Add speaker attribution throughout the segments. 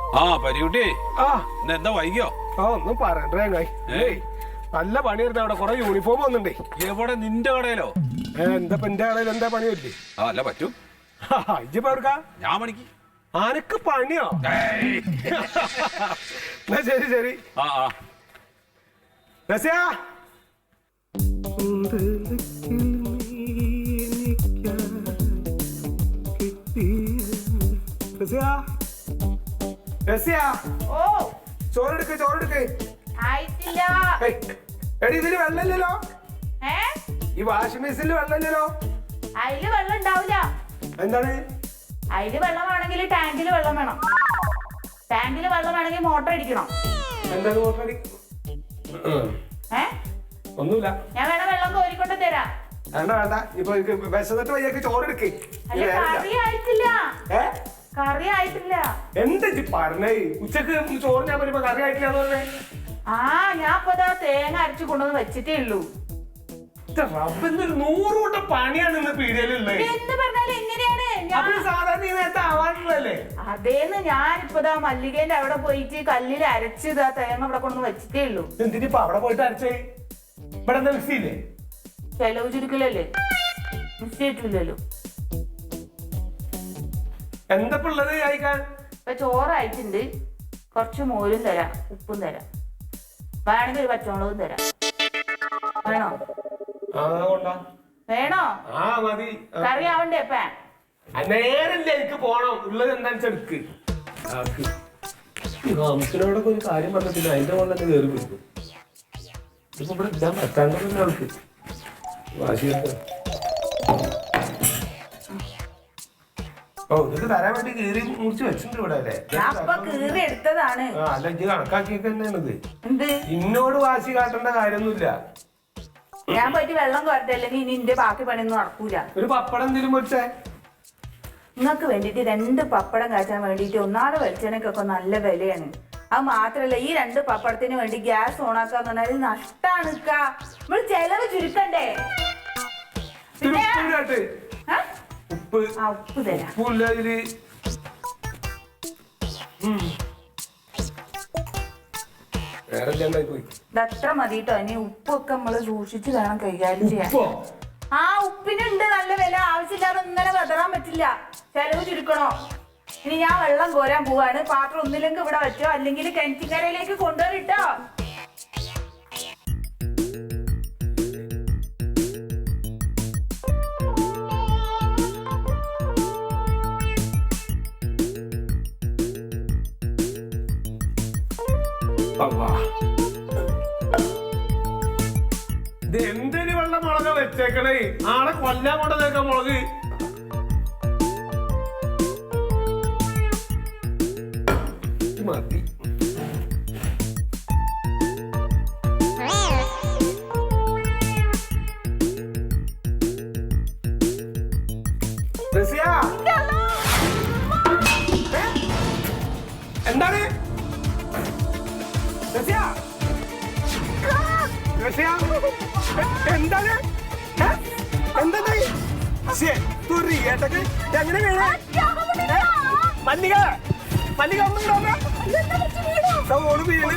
Speaker 1: ആ പരികുട്ടി എന്താ വൈകിയോ?
Speaker 2: ഒന്നും പറയണ്ടേ നല്ല പണിയായിരുന്നു. അവിടെ കൊറേ യൂണിഫോം വന്നിണ്ടേ.
Speaker 1: എവിടെ? നിന്റെ കടയിലോ?
Speaker 2: എന്താ എന്റെ കടയിൽ എന്താ പണിയല്ലേ?
Speaker 1: അല്ല പറ്റും.
Speaker 2: ഇജ്ജിപ്പോ
Speaker 1: ഞാൻ പണിക്ക്.
Speaker 2: ആനക്ക് പണിയോ? ശരി ശരി. ചോറെടുക്ക് ചോറെടുക്ക്. എടി ഇതില് വെള്ളമില്ലല്ലോ. ഈ വാഷിംഗ് മെഷീനിൽ വെള്ളമില്ലല്ലോ.
Speaker 3: അതില് വെള്ളം ഉണ്ടാവില്ല.
Speaker 2: എന്താണ്?
Speaker 3: അതില് വെള്ളമാണെങ്കിൽ ടാങ്കില് വെള്ളം വേണം. ടാങ്കില് വെള്ളം വേണമെങ്കിൽ മോട്ടർ അടിക്കണം.
Speaker 2: എന്താണ് മോട്ടർ അടി? ഒന്നുമില്ല.
Speaker 3: ഞാൻ വേണം വെള്ളം കോരിക്കൊണ്ട് തരാം.
Speaker 2: വേണ്ട വേണ്ട. ഇപ്പൊ വിശന്നിട്ട് വയ്യൊക്കെ ചോറെടുക്ക്.
Speaker 3: കറി ആയിട്ടില്ല. കറി ആയിട്ടില്ല.
Speaker 2: എന്താ പറഞ്ഞേ? ഉച്ചക്ക് ചോറ് ഞാൻ പറയുമ്പോ കറി ആയിട്ടില്ല.
Speaker 3: ഞാൻ ഇപ്പൊ തേങ്ങ അരച്ചു കൊണ്ടുവന്ന് വെച്ചിട്ടേ ഉള്ളൂ.
Speaker 2: 100 കൂട്ടം പണിയാണ് ഇന്ന് പീടികയിലുള്ളത്.
Speaker 3: എന്ന് പറഞ്ഞാൽ എങ്ങനെയാണ്?
Speaker 2: സാധാരണ ഈ നേരത്തെ ആവാറുള്ളല്ലേ?
Speaker 3: അതേന്ന് ഞാനിപ്പോ മല്ലികേന്റെ അവിടെ പോയിട്ട് കല്ലിൽ അരച്ച് തേങ്ങ ഇവിടെ കൊണ്ടുവന്ന് വെച്ചിട്ടേ ഉള്ളൂ.
Speaker 2: എന്തിനിപ്പോ അവിടെ പോയിട്ട് അരച്ചേ? ഇവിടെ എന്താ മിക്സി ഇല്ലേ?
Speaker 3: ചെലവ് ചുരുക്കലല്ലേ, മിക്സി ആയിട്ടില്ലല്ലോ.
Speaker 2: എന്താ ഉള്ളത് കഴിക്കാൻ?
Speaker 3: ഇപ്പൊ ചോറായിട്ടുണ്ട്. കുറച്ച് മോരും തരാം, ഉപ്പും തരാം, വേണമെങ്കിൽ ഒരു പച്ചമുളകും തരാം. വേണോ? വേണോ?
Speaker 2: മതി.
Speaker 3: കറി ആവണ്ടേ? അപ്പ
Speaker 2: നേരല്ല, എനിക്ക് പോണം. ഉള്ളത് എന്താണെന്ന് എടുക്ക്. നമുക്കിനോടൊക്കെ ഒരു കാര്യം പറഞ്ഞില്ല, അതിന്റെ പോലെ തന്നെ കയറി പിടിക്കും. ഇപ്പൊ ഇവിടെ ഇടാൻ പറ്റാണ്ടല്ലോ അവൾക്ക്. വാശിയൊക്കെ ഇത് തരാൻ വേണ്ടി കീറി മുറിച്ച് വെച്ചിട്ടുണ്ട് ഇവിടെ അല്ലേ?
Speaker 3: കീറി എടുത്തതാണ്.
Speaker 2: അല്ല, ഇത് കണക്കാക്കിയൊക്കെ തന്നെയാണിത്. ഇന്നോട് വാശി കാട്ടേണ്ട കാര്യമൊന്നുമില്ല.
Speaker 3: ഞാൻ പോയിട്ട് വെള്ളം കോരട്ടെ, അല്ലെങ്കിൽ ഇനി എന്റെ ബാക്കി പണിയൊന്നും നടക്കൂല.
Speaker 2: ഒരു പപ്പടം എന്തെങ്കിലും പൊരിച്ചേ?
Speaker 3: നിങ്ങൾക്ക് വേണ്ടിട്ട് 2 പപ്പടം കാച്ചാൻ വേണ്ടിട്ട് ഒന്നാമത് വെളിച്ചെണ്ണക്കൊക്കെ നല്ല വിലയാണ്. അത് മാത്രല്ല, ഈ 2 പപ്പടത്തിന് വേണ്ടി ഗ്യാസ് ഓണാക്കാന്ന് പറഞ്ഞാൽ നഷ്ടാണ്. നമ്മൾ ചെലവ് ചുരുക്കണ്ടേ? ഉപ്പ് തരാം. ഇതത്ര മതിട്ടോ. ഇനി ഉപ്പൊക്കെ നമ്മള് സൂക്ഷിച്ച് വേണം കൈകാര്യം ചെയ്യാൻ. ഉപ്പിനുണ്ട് നല്ല വില. ആവശ്യമില്ലാതെ ഇങ്ങനെ വെതറാൻ പറ്റില്ല. ചെലവ് ചുരുക്കണോ? ഇനി ഞാൻ വെള്ളം കോരാൻ പോവാണ്. പാത്രം ഒന്നില്ലെങ്കിൽ ഇവിടെ വെച്ചോ, അല്ലെങ്കിൽ കിണറ്റിക്കരയിലേക്ക് കൊണ്ടുവരിട്ടോ.
Speaker 2: ഇത് എന്തൊരു വെള്ള മുളക വെച്ചേക്കണേ? ആളെ കൊല്ലാൻ കൊണ്ടതേക്ക മുളക്. മതി. എന്താണ്? എന്താണ്? എങ്ങനെ വീണ? മല്ലിക മല്ലിക ഒന്നും ഓട് വീണ്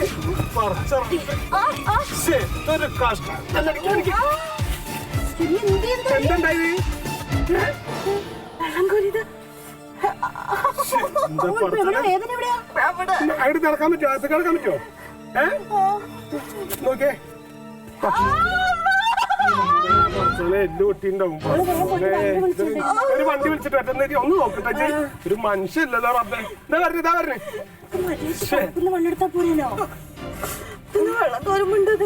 Speaker 2: ഒരു കഷ്ടം. എന്തുണ്ടായി? അവിടെ നടക്കാൻ പറ്റുമോ? അത് കിടക്കാൻ പറ്റുമോ? നോക്കേ, എല്ലാം ഒട്ടിണ്ടാവും. ഒരു വണ്ടി വിളിച്ചിട്ട് പറ്റുന്ന ഒന്ന് നോക്കട്ടെ. ഒരു മനുഷ്യല്ലോ റബ്ബേ. ഇതാ പറഞ്ഞു, ഇതാ പറഞ്ഞു.
Speaker 3: വെള്ളം തോരുമുണ്ട്.